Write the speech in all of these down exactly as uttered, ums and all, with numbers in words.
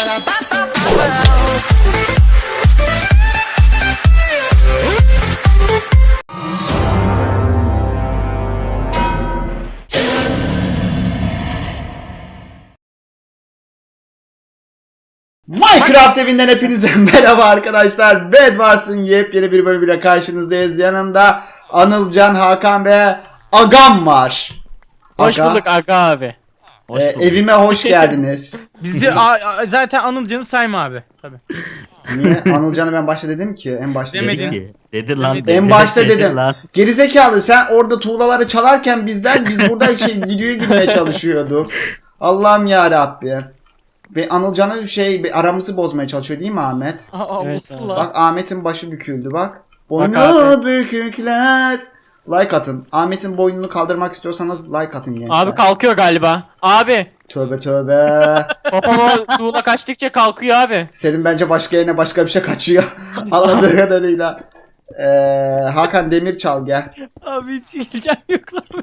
Minecraft evinden hepinize merhaba arkadaşlar. Bed Wars'ın yepyeni bir bölümüyle karşınızdayız. Yanımda Anılcan, Hakan ve Agam var. Hoş Aga, bulduk Aga abi. e, evime hoş geldiniz. Bizi a, a, zaten Anılcan'ı sayma abi. Tabii. Niye? Anılcan'ı ben başta dedim ki. En başta Demedin. dedim. Dedi, dedi lan. En Dedi, başta dedi dedim. lan. Gerizekalı, sen orada tuğlaları çalarken bizden biz burada şey videoya girmeye çalışıyorduk. Allah'ım ya Rabbi. Ve Anılcan'a bir şey bir aramızı bozmaya çalışıyor değil mi Ahmet? Aa, Evet, mutlu evet. lan. Bak Ahmet'in başı büküldü bak. Boynu abi. bükükler. Like atın. Ahmet'in boynunu kaldırmak istiyorsanız like atın gençler. Abi kalkıyor galiba. Abi Tövbe tövbe. popom o tuğla kaçtıkça kalkıyor abi. Senin bence başka yerine başka bir şey kaçıyor. Anladığı kadarıyla. Ee, Hakan demir çal gel. Abi hiç sileceğim yok lan.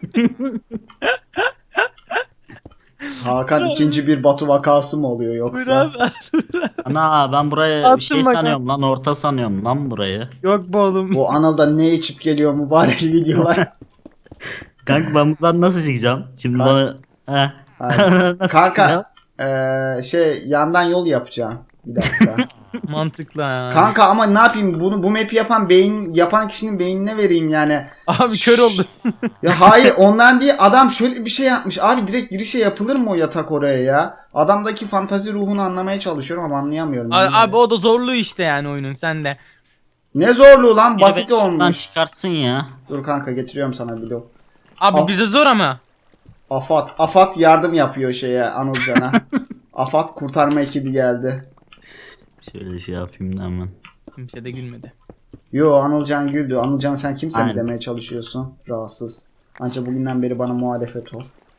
Hakan ikinci bir Batu vakası mı oluyor Buyur yoksa? abi. Ana ben burayı Attım bir şey bakalım. sanıyorum lan, orta sanıyorum lan burayı. Yok bu oğlum. Bu Anıl'da ne içip geliyor mübarek videolar. Kanka ben buradan nasıl çıkacağım? Şimdi Kanka- bana... Heh. Hayır. Nasıl çıkacağım? Kanka ee, şey yandan yol yapacağım. Bir dakika. Mantıklı ha. Kanka ama ne yapayım, bunu bu map'i yapan beyin yapan kişinin beynine vereyim yani. Abi kör oldu. Ya hayır ondan değil, adam şöyle bir şey yapmış abi, direkt girişe yapılır mı o yatak oraya ya? Adamdaki fantazi ruhunu anlamaya çalışıyorum ama anlayamıyorum. Abi, abi o da zorluğu işte yani oyunun sende. Ne zorluğu lan, Biri basit beni şuradan olmuş. çıkartsın ya. Dur kanka, getiriyorum sana blok. Abi Ah. bize zor ama. Afat Afat yardım yapıyor şeye, Anılcan'a. Afat kurtarma ekibi geldi. Şöyle şey yapayım da hemen. Kimse de gülmedi. Yo, Anılcan güldü. Anılcan sen kimse mi Aynen. demeye çalışıyorsun? Rahatsız. Ancak bugünden beri bana muhalefet ol.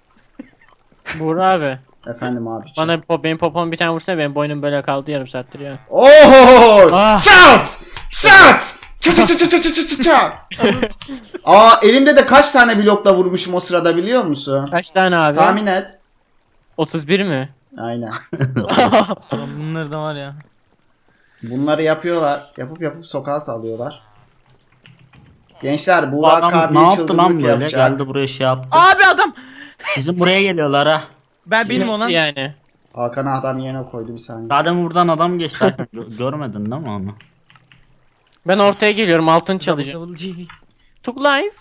Buğra abi. Efendim abi. Bana pop, benim popom bir tane vursana, benim boynum böyle kaldı yarım saattir ya. Oho! Ah. Shout! Shout! Çı çı çı çı çı çı çı çı çı. Aa, elimde de kaç tane blokla vurmuşum o sırada biliyor musun? Kaç tane abi? Tahmin et. otuz bir mi? Aynen. Ulan bunlar da var ya. Bunları yapıyorlar. Yapıp yapıp sokağa salıyorlar. Gençler, Bu Burak adam abi ne yaptı çılgınlık lan böyle? yapacak. Geldi buraya şey yaptı. Abi adam. Bizim buraya geliyorlar ha. Ben benim Nasıl olan. yani? Hakan adam yerine koydu bir saniye. Adem buradan adam geçti. Gö- Görmedin değil mi onu? Ben ortaya geliyorum, altın çalacağım. Took life.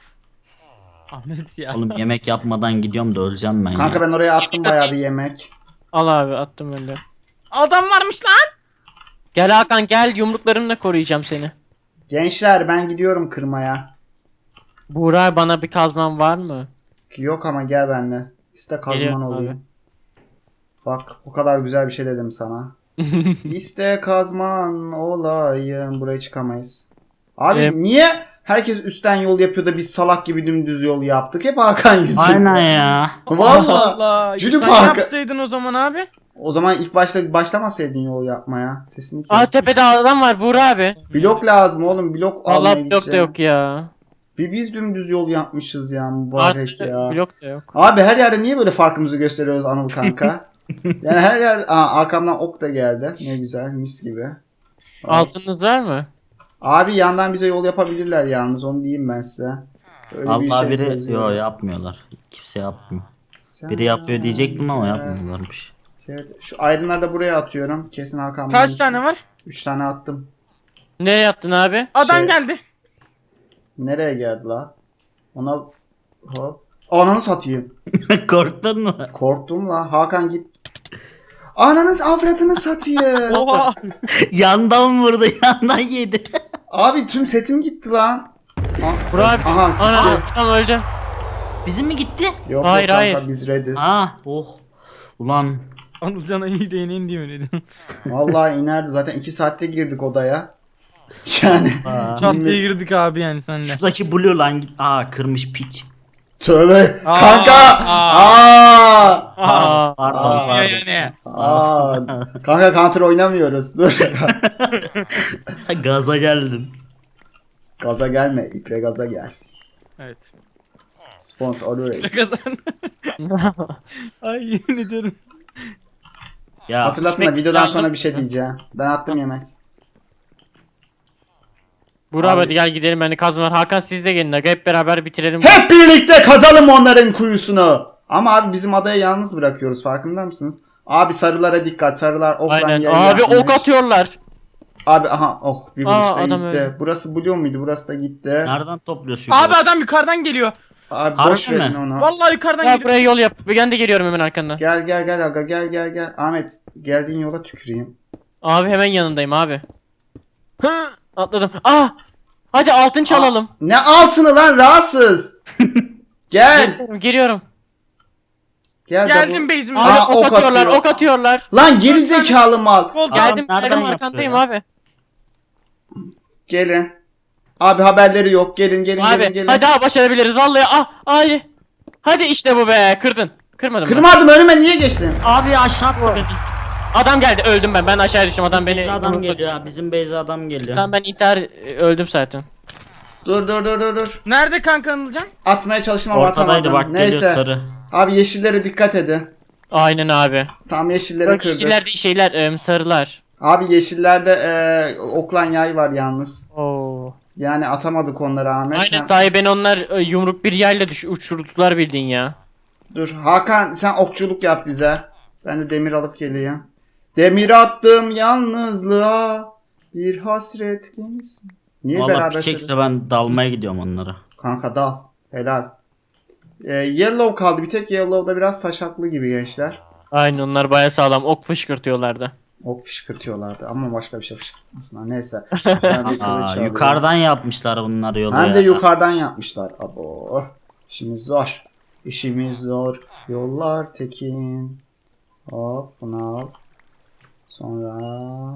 Ahmet ya. Oğlum yemek yapmadan gidiyorum da öleceğim ben Kanka ya. ben oraya attım bayağı bir yemek. Al abi, attım ben de. Adam varmış lan. Gel Hakan gel, yumruklarımla koruyacağım seni. Gençler ben gidiyorum kırmaya. Buğra, bana bir kazman var mı? Yok ama gel benimle. İste kazman Geliyorum olayım. abi. Bak o kadar güzel bir şey dedim sana. İste kazman olayım. Buraya çıkamayız. Abi Ee, niye herkes üstten yol yapıyor da biz salak gibi dümdüz yol yaptık? Hep Hakan yüzünden. Aynen ya. Valla. Allah. Jüri Sen Parkı. yapsaydın o zaman abi. O zaman ilk başta başlamasaydın yol yapmaya. Sesini Aa, kes. tepede adam var Buğra abi. Blok lazım oğlum. Blok almaya Allah blok da gideceğim. yok ya. Bir biz dümdüz yol yapmışız ya mübarek Artık ya. blok da yok. Abi her yerde niye böyle farkımızı gösteriyoruz Anıl kanka? Yani her yer... Aa, arkamdan ok da geldi. Ne güzel, mis gibi. Altınız var mı? Abi yandan bize yol yapabilirler yalnız, onu diyeyim ben size. Öyle Allah biri seziyorum. yo yapmıyorlar. Kimse yapmıyor. Sen- Biri yapıyor diyecektim ama yapmıyorlarmış. Evet, şu ayrınları da buraya atıyorum. Kesin Hakan. Kaç bulmuş. tane var? Üç tane attım. Nereye attın abi? Adam Şey- geldi. Nereye geldi la? Ona... Hop. Ananı satayım. Korktun mu? Korktum la. Hakan git. Ananız avradını satayım. Oha. Yandan vurdu, yandan yedi. Abi tüm setim gitti lan. Ah, Burak abi. aha. Ana, gitti. tam öldü. Bizim mi gitti? Yok Hayır, yok kanka, hayır. biz reddiz. Ha, oh. Ulan Anılcan'a yüreğine indi mi dedim. Vallahi inerdi zaten, iki saatte girdik odaya. Yani aa. Çat diye girdik abi yani senle. Şuradaki blue lan git. Aa, kırmış piç. tövbe Aa, kanka. aa. Aa. Aa, Pardon, Aa. pardon. Yani. Aa. Kanka counter oynamıyoruz. Dur. Gaza geldim. Gaza gelme. İpre gaza gel. Evet. Sponsor orayı. Kazan. Ay yemin ediyorum. Ya. Hatırlatma ekmek videodan lazım. sonra bir şey diyeceğim. Ben attım yemek. Burak Abi- hadi gel gidelim, bende kazma var. Hakan siz de gelin aga, hep beraber bitirelim. Hep birlikte kazalım onların kuyusunu. Ama abi bizim adayı yalnız bırakıyoruz, farkında mısınız? Abi sarılara dikkat, sarılar oklan Aynen. yayı Abi yapmış. ok atıyorlar. Abi aha oh bir Aa, vuruşta adam gitti. öldü. Burası Blue muydu? Burası da gitti. Nereden topluyorsun? Abi adam yukarıdan geliyor. Abi Harbi boş verin mi? onu. Vallahi yukarıdan Ya geliyor. buraya yol yap. Ben de geliyorum hemen arkandan. Gel gel gel aga gel gel gel. Ahmet geldiğin yola tüküreyim. Abi hemen yanındayım abi. Hı, atladım. Ah! Hadi altın çalalım. Aa, ne altını lan rahatsız. Gel. Geliyorum, geliyorum. Gel Geldim de base'ime. Aa, Abi ok, ok atıyorlar, atıyor. ok atıyorlar. bu- Lan geri zekalı mal. Gol Adam Geldim, nereden geldim yapıyor arkandayım ya? abi. Gelin. Abi haberleri yok. Gelin gelin gelin Abi gelin. hadi abi başarabiliriz vallahi. Ah, hadi. Hadi işte bu be. Kırdın. Kırmadım ben. Kırmadım, önüme niye geçtin? Abi aşağı atma beni. Adam geldi. Öldüm ben. Ben aşağı düştüm. Adam Bizim beni base'e adam yumrukla geliyor düşürdü. ha. Bizim base'e adam geliyor. Tamam ben intihar e, öldüm zaten. Dur dur dur dur dur. Nerede kanka Anılcan? Atmaya çalıştım ama Ortadaydı atamadım. bak, geliyor Neyse. sarı. Abi yeşillere dikkat edin. Aynen abi. Tam yeşilleri Bak kırdı. kişiler değil şeyler em, sarılar. Abi yeşillerde e, oklan yay var yalnız. Oo. Yani atamadık onları Ahmet. Aynen Ha- sahi ben onlar e, yumruk bir yayla düş uçurdular bildiğin ya. Dur Hakan sen okçuluk yap bize. Ben de demir alıp geleyim. Demir attım yalnızlığa. Bir hasret gemisi. Niye Valla beraber pickaxe'le söylüyorsun? ben dalmaya gidiyorum onlara. Kanka dal. Helal. Ee, yellow kaldı. Bir tek yellow'da biraz taşaklı gibi gençler. Aynen onlar baya sağlam ok fışkırtıyorlardı. Ok fışkırtıyorlardı ama başka bir şey fışkırtmasınlar. Neyse. Ben bir kılıç Aa, alayım. yukarıdan yapmışlar bunları yolu Hem ya. de yukarıdan yapmışlar. Abo. İşimiz zor. İşimiz zor. Yollar tekin. Hop bunu al. Sonra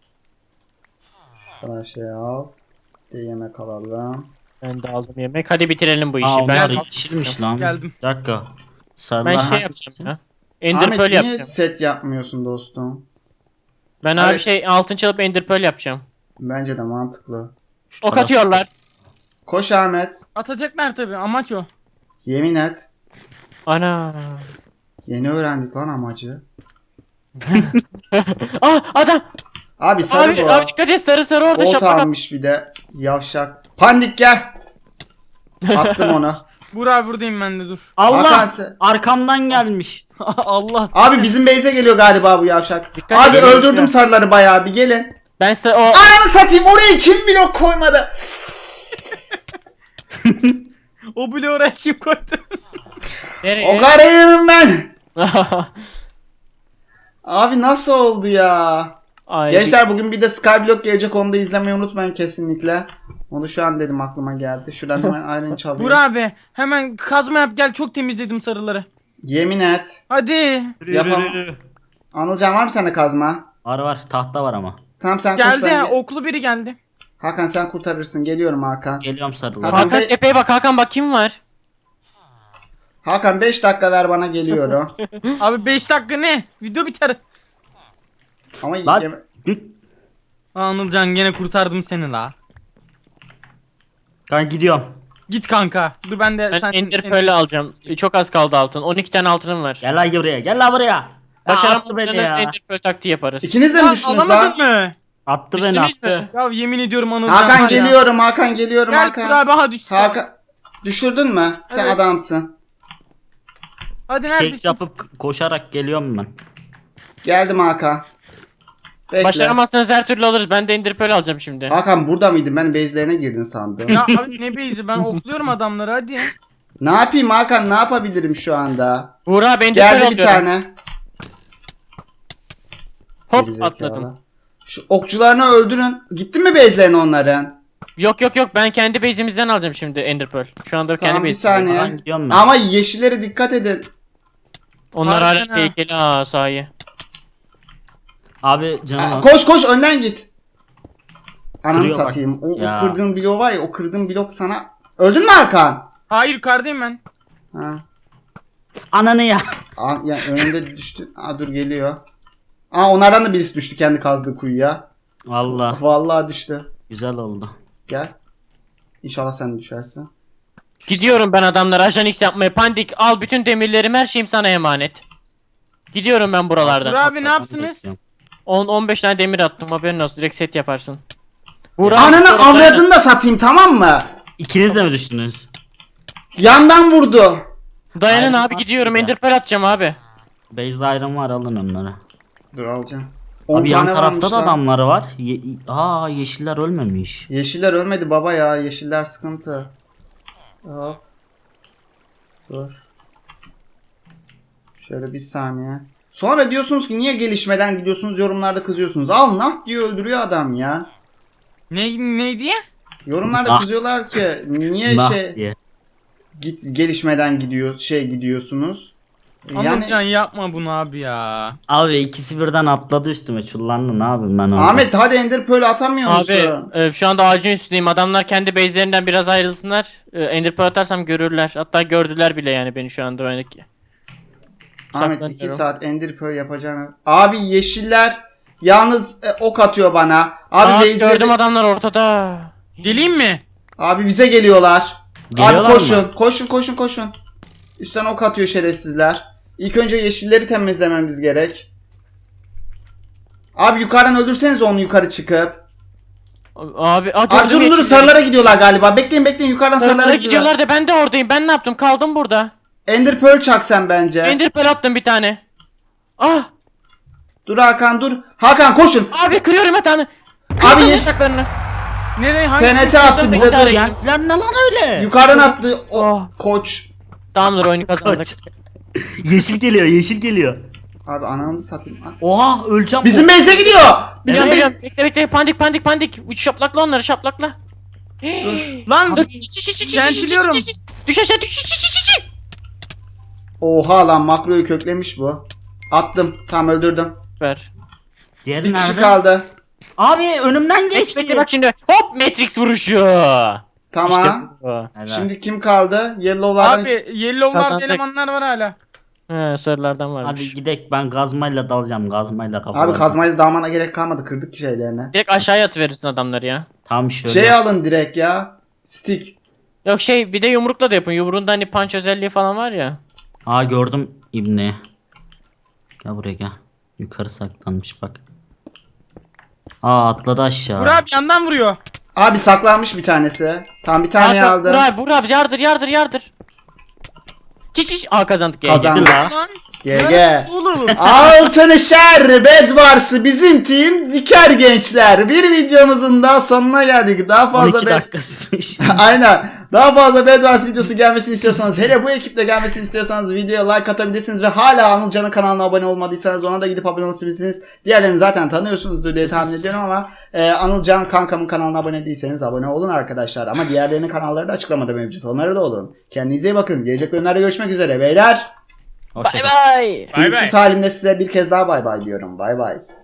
şuna şey al. Bir de yemek alalım. Ben de aldım yemek. Hadi bitirelim bu işi. Aa, ben onlar yeşilmiş lan. Geldim. Bir dakika. Sarılar ben şey hangisi? yapacağım ya. Ender Ahmet Pearl niye yapacağım. set yapmıyorsun dostum? Ben abi Evet. şey altın çalıp Ender Pearl yapacağım. Bence de mantıklı. Şu Ok taraf- atıyorlar. Koş Ahmet. Atacaklar tabi, amaç o. Yemin et. Ana. Yeni öğrendik lan amacı. Ah adam. Abi sarı Abi, bu. abi dikkat et sarı sarı orada Ot şapak. almış bir de. Yavşak. Pandik gel. Attım onu. Burak buradayım ben de, dur. Hakan Allah! sen- Arkamdan gelmiş. Allah. Abi bizim base'e geliyor galiba bu yavşak. Dikkat Abi edin, öldürdüm lütfen. sarıları bayağı, bir gelin. Ben size o Ananı satayım, oraya kim blok koymadı? O bile oraya kim koydu? nereye? O karayım ben. Abi nasıl oldu ya? Ay, Gençler bugün bir de Skyblock gelecek, onu da izlemeyi unutmayın kesinlikle. Onu şu an dedim aklıma geldi. Şuradan hemen aynen çalayım. Burak abi hemen kazma yap gel, çok temizledim sarıları. Yemin et. Hadi. Yürü, Yapamam. yürü, yürü. Anılcan var mı sende kazma? Var var, tahta var ama. Tamam sen koş, Geldi, ben... oklu biri geldi. Hakan sen kurtarırsın. Geliyorum Hakan. Geliyorum sarılar. Hakan- Hakan tepeye bak Hakan, bak kim var? Hakan beş dakika ver bana, geliyorum. Abi beş dakika ne? Video biter. Ama Lan yeme- git. Aa, Anılcan gene kurtardım seni la. Ben gidiyorum. Git kanka. Dur ben de Ben sen Ender Pearl'ü alacağım. Çok az kaldı altın. on iki tane altınım var. Gel lan buraya. Gel lan buraya. Ya, attı beni Başaramazsanız ya. Ender Pearl taktiği yaparız. İkiniz de mi Lan düştünüz alamadın lan? mı? Attı beni Düştünüz attı. mü? Ya yemin ediyorum Anılcan Hakan var ya. geliyorum, Hakan geliyorum Gel Hakan. Burak abi, ha düştü. Hakan düşürdün mü? Sen Evet. adamsın. Hadi Keks neredesin? yapıp koşarak geliyorum ben. Geldim Hakan. Bekle. Başaramazsanız her türlü alırız. Ben de Ender Pearl alacağım şimdi. Hakan burada mıydın? Ben base'lerine girdin sandım. Ya abi ne beyzi, ben okluyorum adamları, hadi. Ne yapayım Hakan? Ne yapabilirim şu anda? Buğra ben Ender Pearl Geldi bir alıyorum. tane. Hop Gerizekalı. atladım. Şu okçularını öldürün. Gittin mi base'lerine onların? Yok yok yok, ben kendi base'imizden alacağım şimdi Ender Pearl. Şu anda Tamam kendi bir base'imden. saniye. Ben gidiyorum ben. Ama yeşillere dikkat edin. Onlar Harbiden hala ha. tehlikeli ha sahi. Abi canım Aa, az. koş koş önden git. Ananı Kırıyor bak. satayım. O, o Ya. kırdığın blok var ya, o kırdığın blok sana. Öldün mü Hakan? Hayır yukarıdayım ben. Ha. Ananı ya. Aa, ya önünde düştü. Aa dur geliyor. Aa onlardan da birisi düştü kendi kazdığı kuyuya. Valla Vallahi düştü. güzel oldu. Gel. İnşallah sen düşersin. Gidiyorum ben adamlara ajan X yapmaya. Pandik al bütün demirlerim, her şeyim sana emanet. Gidiyorum ben Sur buralardan. abi ne yaptınız? on on beş tane demir attım, haberin olsun, direkt set yaparsın. Buğra, Ananı sonra- avradını da satayım, tamam mı? İkiniz de mi düştünüz? Yandan vurdu. Dayanın Aynen, abi, gidiyorum, aslında. Ender Pearl atacağım abi. Base Iron var, alın onları. Dur alacağım. on Abi yan tane tarafta varmış da lan. adamları var. Ye Aa yeşiller ölmemiş. Yeşiller ölmedi baba ya. Yeşiller sıkıntı. Hop. Dur. Şöyle bir saniye. Sonra diyorsunuz ki niye gelişmeden gidiyorsunuz, yorumlarda kızıyorsunuz. Al nah diye öldürüyor adam ya. Ne ne diye? Yorumlarda Nah. kızıyorlar ki niye Nah şey diye. git gelişmeden gidiyor şey gidiyorsunuz. Anılcan Yani yapma bunu abi ya. Abi ikisi birden atladı üstüme, çullandı, ne yapayım ben orada? Ahmet hadi Ender Pearl atamıyor Abi musun? e, şu anda ağacın üstündeyim. Adamlar kendi base'lerinden biraz ayrılsınlar. E, Ender Pearl atarsam görürler. Hatta gördüler bile yani beni şu anda. Yani. Ahmet iki Saklanıyorum. saat Ender Pearl yapacağım. Abi yeşiller yalnız e, ok atıyor bana. Abi Aa, base'leri- gördüm, adamlar ortada. Geleyim mi? Abi bize geliyorlar. Geliyorlar Abi koşun, mı? koşun, koşun, koşun. Üstten ok atıyor şerefsizler. İlk önce yeşilleri temizlememiz gerek. Abi yukarıdan öldürseniz onu yukarı çıkıp. Abi, aa, Abi gördüm durun durun yeşilleri. sarılara gidiyorlar galiba. Bekleyin bekleyin yukarıdan Sarılara sarılara gidiyorlar. gidiyorlar da ben de oradayım. Ben ne yaptım? Kaldım burada. Ender Pearl çak sen bence. Ender Pearl attım bir tane. Ah! Dur Hakan dur. Hakan koşun. Abi kırıyorum yatağını. Abi Kırdım ye- yataklarını. Nereye hangi? T N T attı Kırdım, bize bekle, dur. bekle. Yentiler ne lan öyle? Yukarıdan attı o Oh. koç. Tamamdır, oyunu kazandık. Kaç. Yeşil geliyor, yeşil geliyor. Abi ananızı satayım. Oha öleceğim. Bizim base'e gidiyor. Bizim Geliyorum, base. geliyorum. Bekle bekle, pandik pandik pandik. Üç şaplakla onları, şaplakla. Dur. Lan Dur. Ventiliyorum. Düş aşağı, düş, düş, düş, düş, düş. Oha lan makroyu köklemiş bu. Attım. Tamam öldürdüm. Süper. Diğeri Bir kişi nerede? kaldı. Abi önümden Bekle geçti. bekle, bak şimdi. Hop, Matrix vuruşu. Tamam. İşte bu. Helal. Şimdi kim kaldı? Yellow'lardan. Abi yellow'larda Kazandık. elemanlar var hala. He, sarılardan varmış. Hadi gidek, ben gazmayla dalacağım, gazmayla kafalarına. Abi kazmayla dalmana gerek kalmadı. Kırdık ki şeylerini. Direkt aşağıya atıverirsin adamları ya. Tam şöyle. Şey alın direkt ya. Stick. Yok şey, bir de yumrukla da yapın. Yumruğunda hani punch özelliği falan var ya. Aa gördüm İbni. Gel buraya gel. Yukarı saklanmış bak. Aa atladı aşağı. Burak abi yandan vuruyor. Abi saklanmış bir tanesi. Tam bir tane Hakan, aldım. Burak, Burak yardır yardır yardır. Çiç çiç. Aa, kazandık. ya. Kazandık. Lan. G G. Olur olur. Altın şer Bedwars'ı bizim team ziker gençler. Bir videomuzun daha sonuna geldik. Daha on fazla iki Bed... dakika sürmüş. Aynen. Daha fazla Bedwars videosu gelmesini istiyorsanız, hele bu ekiple gelmesini istiyorsanız videoya like atabilirsiniz ve hala Anılcan'ın kanalına abone olmadıysanız ona da gidip abone olabilirsiniz. Diğerlerini zaten tanıyorsunuzdur diye tahmin ediyorum ama e, Anılcan kankamın kanalına abone değilseniz abone olun arkadaşlar. Ama diğerlerinin kanalları da açıklamada mevcut. Onlara da olun. Kendinize iyi bakın. Gelecek bölümlerde görüşmek üzere beyler. Hoşça Bay kal. bay. Bay bay. Kılıksız halimle size bir kez daha bay bay diyorum. Bay bay.